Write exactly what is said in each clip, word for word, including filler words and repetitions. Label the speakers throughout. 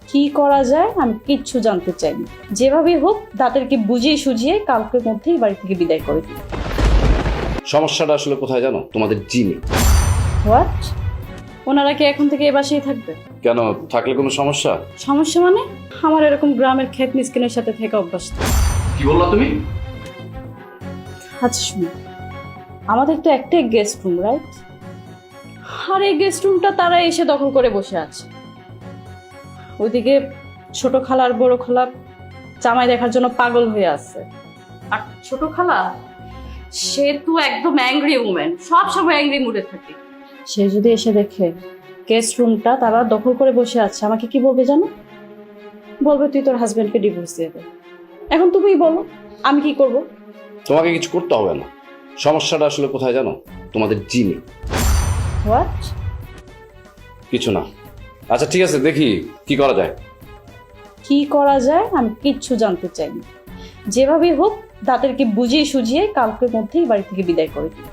Speaker 1: কি করা যায় আমি কিচ্ছু জানতে চাই না। যেভাবে হোক তাদেরকে বুঝিয়ে সুঝিয়ে কালকের মধ্যেই বাড়ি থেকে বিদায় করে দিই।
Speaker 2: সমস্যাটা আসলে কোথায় জানো? তোমাদের জিনে।
Speaker 1: হোয়াট? ওনারা কি এখন থেকে এ বাসায় থাকবে?
Speaker 2: কেন, থাকলে কোনো সমস্যা?
Speaker 1: সমস্যা মানে? আমার এরকম গ্রামের ক্ষেত মিসকিনের সাথে থেকে অভ্যাস।
Speaker 2: কি বললা তুমি?
Speaker 1: আচ্ছা শুনো, আমাদের তো একটাই গেস্ট রুম, রাইট? আর এই গেস্ট রুমটা তারা এসে দখল করে বসে আছে। ওইদিকে ছোট খালা আর বড় খালা জামাই দেখার জন্য পাগল হয়ে আছে। আর ছোট খালা, সে তো একদম অ্যাংরি উমেন, সব সময় অ্যাংরি মুডে থাকে। সে যদি এসে দেখে গেস্ট রুমটা তারা দখল করে বসে আছে, আমাকে কি বলবে জানো? বলবে তুই তোর হাজবেন্ডকে ডিভোর্স দিয়ে দে। এখন তুমিই বলো আমি কি করব?
Speaker 2: তোমাকে কিছু করতে হবে না। সমস্যাটা আসলে কোথায় জানো? তোমাদের জিনে।
Speaker 1: হোয়াট?
Speaker 2: কিছু না। আচ্ছা ঠিক আছে, দেখি কি করা যায়।
Speaker 1: কি করা যায় আমি কিচ্ছু জানতে চাই না। যেভাবে হোক তাদেরকে বুঝিয়ে সুঝিয়ে কালকের মধ্যেই বাড়ি থেকে বিদায় করে দিই।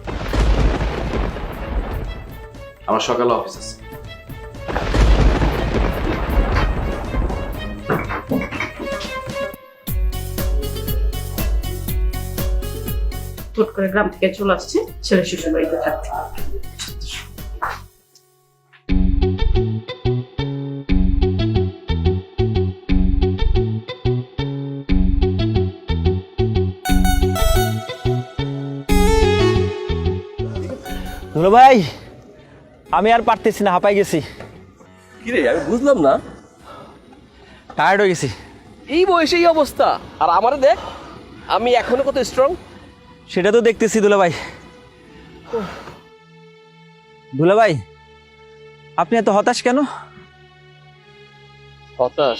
Speaker 2: আমার সকালে অফিস আছে।
Speaker 1: হুট করে গ্রাম থেকে চলে আসছে ছেলে শ্বশুর বাড়িতে থাকতে।
Speaker 3: দুলো ভাই, আমি আর পারতেছি না, হাঁপাই গেছি।
Speaker 4: কি রে, আমি বুঝলাম না।
Speaker 3: টায়ার্ড হয়ে গেছি।
Speaker 4: এই বয়সে এই অবস্থা, আর আমারে দেখ, আমি এখনো কত স্ট্রং।
Speaker 3: সেটা তো দেখতেছি দুলো ভাই। দুলো ভাই, আপনি এত হতাশ কেন?
Speaker 4: হতাশ?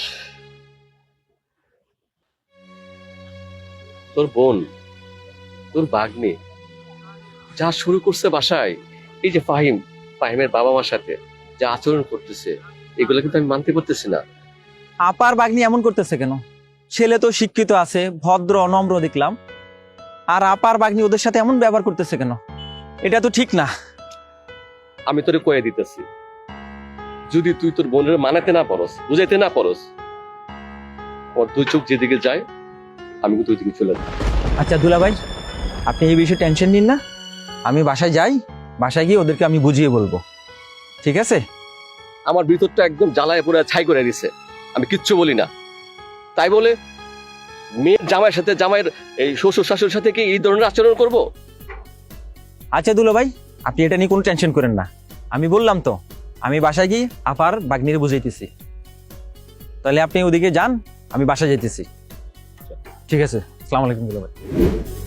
Speaker 4: তোর বোন, তোর ভাগ্নে যা শুরু করছে বাসায়, এই যে ফাহিম, ফাহিমের বাবা মার সাথে যা আচরণ করতেছে, এগুলো কিন্তু আমি মানতে পারতেছি না।
Speaker 3: আপার বাগনি এমন করতেছে কেন? ছেলে তো শিক্ষিত আছে, ভদ্র অনম্র দেখলাম, আর আপার বাগনি ওদের সাথে এমন ব্যবহার করতেছে কেন? এটা তো ঠিক না।
Speaker 4: আমি তোরে কয়ে দিতেছি, যদি তুই তোর বোনের মানাতে না পারস, বুঝাইতে না পারস, আমার দুই চোখ যেদিকে যায় আমি কিন্তু ওই দিকে চলে যাই।
Speaker 3: আচ্ছা দুলা ভাই, আপনি এই বিষয়ে টেনশন নিন না। আমি বাসায় যাই, বাসায় গিয়ে ওদেরকে আমি বুঝিয়ে বলবো, ঠিক আছে?
Speaker 4: আমার ভিতরটা একদম জ্বালায় পুরো ছাই করে দিছে, আমি কিচ্ছু বলি না। তাই বলে মেয়ের জামাইয়ের সাথে, জামাইয়ের এই শ্বশুর শাশুড়ির সাথে কি এই ধরনের আচরণ করব?
Speaker 3: আচ্ছা দুলো ভাই, আপনি এটা নিয়ে কোনো টেনশন করেন না। আমি বললাম তো, আমি বাসায় গিয়ে আপার বাগনিরে বুঝাইতেছি। তাহলে আপনি ওদিকে যান, আমি বাসায় যাইতেছি। ঠিক আছে, আসসালামু আলাইকুম দুলো ভাই।